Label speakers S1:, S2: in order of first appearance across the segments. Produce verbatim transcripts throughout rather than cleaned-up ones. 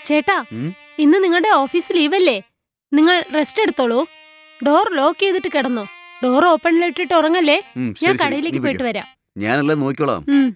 S1: ചേട്ടാ,
S2: ഉം?
S1: ഇന്ന് നിങ്ങളുടെ ഓഫീസ് ലീവല്ലേ? നിങ്ങൾ റെസ്റ്റ് എടുത്തോളൂ. ഡോർ ലോക്ക് ചെയ്തിട്ട് കിടന്നോ. ഡോർ ഓപ്പണിലിട്ടിട്ട് ഉറങ്ങല്ലേ.
S2: ഉം,
S1: ഞാൻ
S2: ശരി ശരി, നീ
S1: കടയിലേക്ക്
S2: പൊയ്ക്കോ.
S1: പോയിട്ട് വരാം.
S2: ഞാനെല്ലാം നോക്കിക്കോളാം.
S1: ഉം.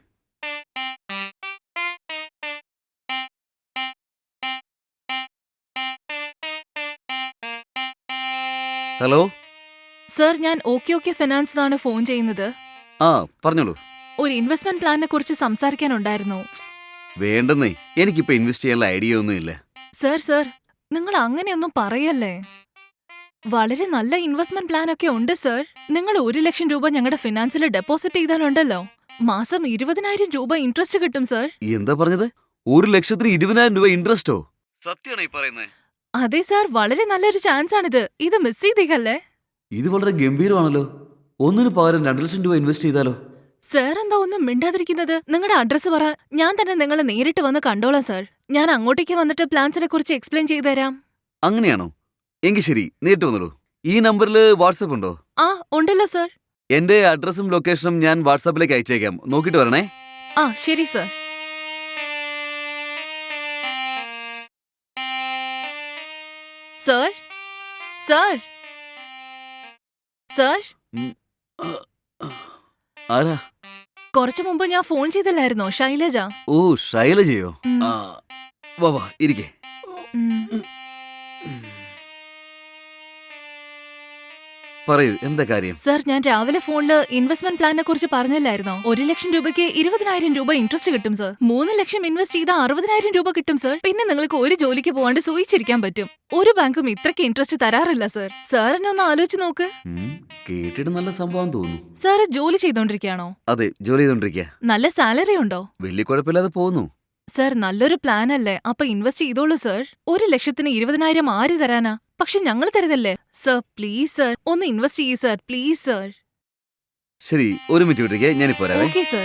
S2: ഹലോ.
S3: സർ, ഞാൻ ഓക്കെ ഓക്കെ ഫിനാൻസ് ആണ് ഫോൺ ചെയ്യുന്നത്.
S2: ആ, പറഞ്ഞോളൂ.
S3: ഒരു ഇൻവെസ്റ്റ്മെന്റ് പ്ലാനിനെ കുറിച്ച് സംസാരിക്കാനുണ്ടായിരുന്നു.
S2: വേണ്ടെന്നേ, എനിക്കിപ്പോ ഇൻവെസ്റ്റ് ചെയ്യാനുള്ള ഐഡിയ ഒന്നുമില്ല.
S3: സർ സർ നിങ്ങൾ അങ്ങനെയൊന്നും പറയല്ലേ. വളരെ നല്ല ഇൻവെസ്റ്റ്മെന്റ് പ്ലാൻ ഒക്കെ ഉണ്ട് സർ. നിങ്ങൾ ഒരു ലക്ഷം രൂപ ഞങ്ങളുടെ ഫിനാൻസിൽ ഡെപ്പോസിറ്റ് ചെയ്താലുണ്ടല്ലോ, മാസം ഇരുപതിനായിരം രൂപ ഇൻട്രസ്റ്റ് കിട്ടും സർ.
S2: എന്താ പറഞ്ഞത്? ഒരു ലക്ഷത്തിന് ഇരുപതിനായിരം രൂപ ഇൻട്രസ്റ്റോ? സത്യമാണോ ഈ പറയുന്നത്?
S3: അതെ സർ, വളരെ നല്ലൊരു ചാൻസ് ആണിത്. ഇത് മിസ് ചെയ്തേക്കല്ലേ.
S2: ഇത് വളരെ ഗംഭീരമാണല്ലോ. ഒന്നിന് പകരം രണ്ടു ലക്ഷം രൂപ ഇൻവെസ്റ്റ് ചെയ്താലോ?
S3: സർ എന്താ ഒന്നും മിണ്ടാതിരിക്കുന്നത്? നിങ്ങളുടെ അഡ്രസ് പറ, ഞാൻ തന്നെ നിങ്ങളെ നേരിട്ട് വന്ന് കണ്ടോളാം സർ. ഞാൻ അങ്ങോട്ടേക്ക് വന്നിട്ട് പ്ലാൻസിനെ കുറിച്ച് എക്സ്പ്ലെയിൻ ചെയ്തുതരാം.
S2: അങ്ങനെയാണോ? എങ്കിൽ ശരി, നേരിട്ട് വന്നോളൂ. ഈ നമ്പറിൽ വാട്സപ്പ് ഉണ്ടോ?
S3: ആ ഉണ്ടല്ലോ സർ.
S2: എന്റെ അഡ്രസ്സും ലൊക്കേഷനും ഞാൻ വാട്സാപ്പിലേക്ക് അയച്ചേക്കാം. നോക്കിയിട്ട് വരണേ.
S3: ആ ശരി സർ. സർ സർ സർ
S2: ആരാ?
S3: കുറച്ചു മുമ്പ് ഞാൻ ഫോൺ ചെയ്തില്ലായിരുന്നോ, ശൈലജ.
S2: ഓ, ശൈലജയോ?
S3: ഉം.
S2: ആ, വാ വാ, ഇരിക്കേ.
S3: ഉം.
S2: പറയൂ, എന്താ കാര്യം?
S3: സർ, ഞാൻ രാവിലെ ഫോണില് ഇൻവെസ്റ്റ്മെന്റ് പ്ലാനിനെ കുറിച്ച് പറഞ്ഞില്ലായിരുന്നോ? ഒരു ലക്ഷം രൂപയ്ക്ക് ഇരുപതിനായിരം രൂപ ഇൻട്രസ്റ്റ് കിട്ടും സർ. മൂന്ന് ലക്ഷം ഇൻവെസ്റ്റ് ചെയ്താൽ അറുപതിനായിരം രൂപ കിട്ടും സർ. പിന്നെ നിങ്ങൾക്ക് ഒരു ജോലിക്ക് പോകാണ്ട് സൂയിച്ചിരിക്കാൻ പറ്റും. ഒരു ബാങ്കും ഇത്രയ്ക്ക് ഇൻട്രസ്റ്റ് തരാറില്ല സർ. സാർ എന്നെ ഒന്ന് ആലോചിച്ച് നോക്ക്.
S2: ഉം, കേട്ടിട്ട് നല്ല സംഭവം തോന്നുന്നു.
S3: സാറ് ജോലി ചെയ്തോണ്ടിരിക്കുകയാണോ?
S2: അതെ, ജോലി ചെയ്തോണ്ടിരിക്കുക.
S3: നല്ല സാലറി ഉണ്ടോ?
S2: വലിയ കുഴപ്പമില്ലാതെ പോകുന്നു.
S3: സർ, നല്ലൊരു പ്ലാൻ അല്ലേ? അപ്പൊ ഇൻവെസ്റ്റ് ചെയ്തോളൂ സർ. ഒരു ലക്ഷത്തിന് ഇരുപതിനായിരം ആര് തരാനാ? പക്ഷെ ഞങ്ങൾ തരുതല്ലേ സർ. പ്ലീസ് സർ, ഒന്ന് ഇൻവെസ്റ്റ് ചെയ്യൂ സർ, പ്ലീസ് സർ.
S2: ശരി, ഒരു മിനിറ്റ് വിട്ടിരിക്കേ, ഞാനിപ്പോ വരാവേ.
S3: Okay sir.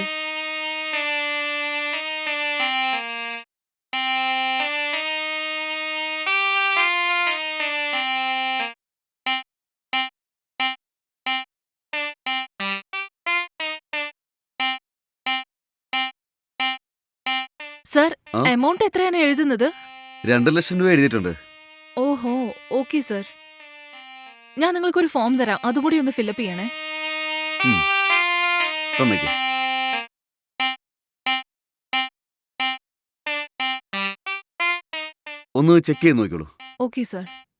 S3: സർ,
S2: ആ?
S3: എമൗണ്ട് എത്രയാണ് എഴുതുന്നത്?
S2: രണ്ടു ലക്ഷം രൂപ എഴുതിയിട്ടുണ്ട്.
S3: ഓഹോ, ഓക്കെ സർ. ഞാൻ നിങ്ങൾക്കൊരു ഫോം തരാം, അതുകൂടി ഒന്ന് ഫില്ലപ്പ് ചെയ്യണേ.
S2: ഉം, തന്നേക്ക്. ഒന്ന് ചെക്ക് ചെയ്ത് നോക്കിക്കോളൂ.
S3: Okay sir.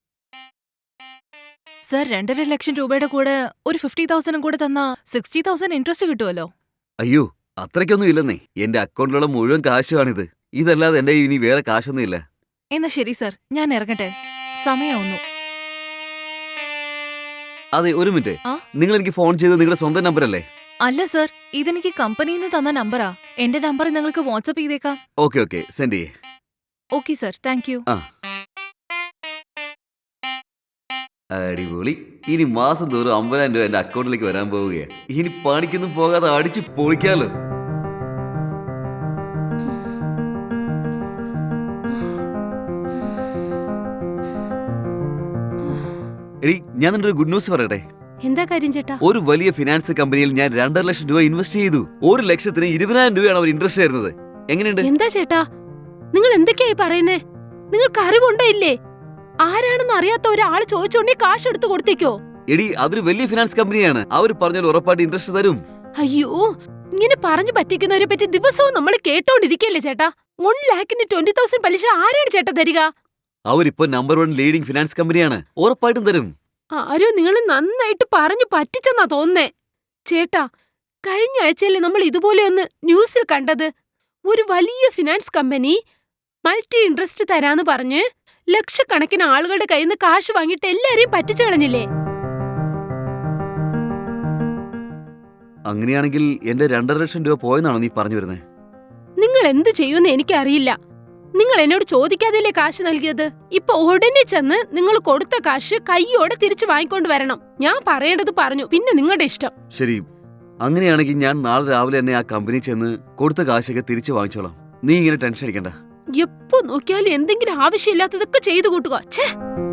S3: സർ, രണ്ടര ലക്ഷം രൂപയുടെ കൂടെ ഒരു ഫിഫ്റ്റി തൗസൻഡും കൂടെ തന്നാ സിക്സ്റ്റി തൗസൻഡ് ഇൻട്രസ്റ്റ് കിട്ടുമല്ലോ.
S2: അയ്യോ, അത്രയ്ക്കൊന്നും ഇല്ലെന്നേ. എന്റെ അക്കൗണ്ടിലുള്ള മുഴുവൻ കാശുമാണിത്. ഇതല്ലാതെ എന്റെ ഇനി വേറെ കാശൊന്നും ഇല്ല.
S3: എന്നാ ശരി സർ, ഞാൻ ഇറങ്ങട്ടെ, സമയാവുന്നു.
S2: അതെ, ഒരു മിനിറ്റ്.
S3: ആ?
S2: നിങ്ങൾ എനിക്ക് ഫോൺ ചെയ്ത് നിങ്ങളുടെ സ്വന്തം നമ്പർ അല്ലേ?
S3: അല്ല സർ, ഇതെനിക്ക് കമ്പനിയിൽ നിന്ന് തന്ന നമ്പറാ. എന്റെ നമ്പർ നിങ്ങൾക്ക് വാട്സപ്പ് ചെയ്തേക്കാം.
S2: ഓക്കെ ഓക്കെ, സെൻഡ് ചെയ്യേ.
S3: Okay sir, thank you.
S2: ആ, അടിപൊളി. ഇനി മാസം തോറും അമ്പതിനായിരം രൂപ എന്റെ അക്കൗണ്ടിലേക്ക് വരാൻ പോവുകയാണ്. ഇനി പണിക്കൊന്നും പോകാതെ അടിച്ച് പൊളിക്കാലോ. എടി, ഞാൻ നിന്റെ ഒരു ഗുഡ് ന്യൂസ് പറയട്ടെ.
S1: എന്താ കാര്യം ചേട്ടാ?
S2: ഒരു വലിയ ഫിനാൻസ് കമ്പനിയിൽ ഞാൻ രണ്ടര ലക്ഷം രൂപ ഇൻവെസ്റ്റ് ചെയ്തു. ഒരു ലക്ഷത്തിന് ഇരുപതിനായിരം രൂപയാണ് അവർ ഇൻട്രസ്റ്റ് തരുന്നത്. എങ്ങനെയുണ്ട്?
S1: എന്താ ചേട്ടാ, നിങ്ങൾ എന്തൊക്കെയായി പറയുന്നേ? നിങ്ങൾക്ക് അറിവുണ്ടോ ഇല്ലേ? ആരാണെന്ന് അറിയാത്ത ഒരാൾ ചോദിച്ചോണ്ടേ കാശ് എടുത്ത് കൊടുത്തേക്കോ?
S2: എടി, അതൊരു വലിയ ഫിനാൻസ് കമ്പനിയാണ്. അവർ പറഞ്ഞാൽ ഉറപ്പായിട്ട് ഇൻട്രസ്റ്റ് തരും.
S1: അയ്യോ, ഇങ്ങനെ പറഞ്ഞു പറ്റിക്കുന്നവരെ പറ്റി ദിവസവും നമ്മൾ കേട്ടോണ്ടിരിക്കല്ലേ ചേട്ടാ? വൺ ലാഖിന് ട്വന്റി തൗസൻഡ് പലിശ ആരാണ് ചേട്ടാ തരിക?
S2: അവരിപ്പോ നമ്പർ വൺ ലീഡിംഗ് ഫിനാൻസ് കമ്പനിയാണ്. ഉറപ്പായിട്ടും തരും.
S1: ആരോ നിങ്ങൾ നന്നായിട്ട് പറഞ്ഞു പറ്റിച്ചെന്നാ തോന്നുന്നേ. ചേട്ടാ, കഴിഞ്ഞ ആഴ്ചയല്ലേ നമ്മൾ ഇതുപോലെ ഒന്ന് ന്യൂസിൽ കണ്ടത്? ഒരു വലിയ ഫിനാൻസ് കമ്പനി മൾട്ടി ഇൻട്രസ്റ്റ് തരാന്ന് പറഞ്ഞ് ലക്ഷക്കണക്കിന് ആളുകളുടെ കയ്യിൽ നിന്ന് കാശ് വാങ്ങിയിട്ട് എല്ലാരെയും പറ്റിച്ചു കളഞ്ഞില്ലേ?
S2: അങ്ങനെയാണെങ്കിൽ എന്റെ രണ്ടര ലക്ഷം രൂപ പോയെന്നാണോ നീ പറഞ്ഞു വരുന്നത്?
S1: നിങ്ങൾ എന്ത് ചെയ്യുമെന്ന് എനിക്കറിയില്ല. നിങ്ങൾ എന്നോട് ചോദിക്കാതെയല്ലേ കാശ് നൽകിയത്? ഇപ്പൊ ഉടനെ ചെന്ന് നിങ്ങൾ കൊടുത്ത കാശ് കൈയോടെ തിരിച്ചു വാങ്ങിക്കൊണ്ട് വരണം. ഞാൻ പറയേണ്ടത് പറഞ്ഞു, പിന്നെ നിങ്ങളുടെ ഇഷ്ടം.
S2: ശരി, അങ്ങനെയാണെങ്കിൽ ഞാൻ നാളെ രാവിലെ തന്നെ ആ കമ്പനി ചെന്ന് കൊടുത്ത കാശൊക്കെ തിരിച്ചു വാങ്ങിച്ചോളാം. നീ ഇങ്ങനെ ടെൻഷൻ അടിക്കണ്ട.
S1: എപ്പോ നോക്കിയാലും എന്തെങ്കിലും ആവശ്യമില്ലാത്തതൊക്കെ ചെയ്തു കൂട്ടുക. ഛേ.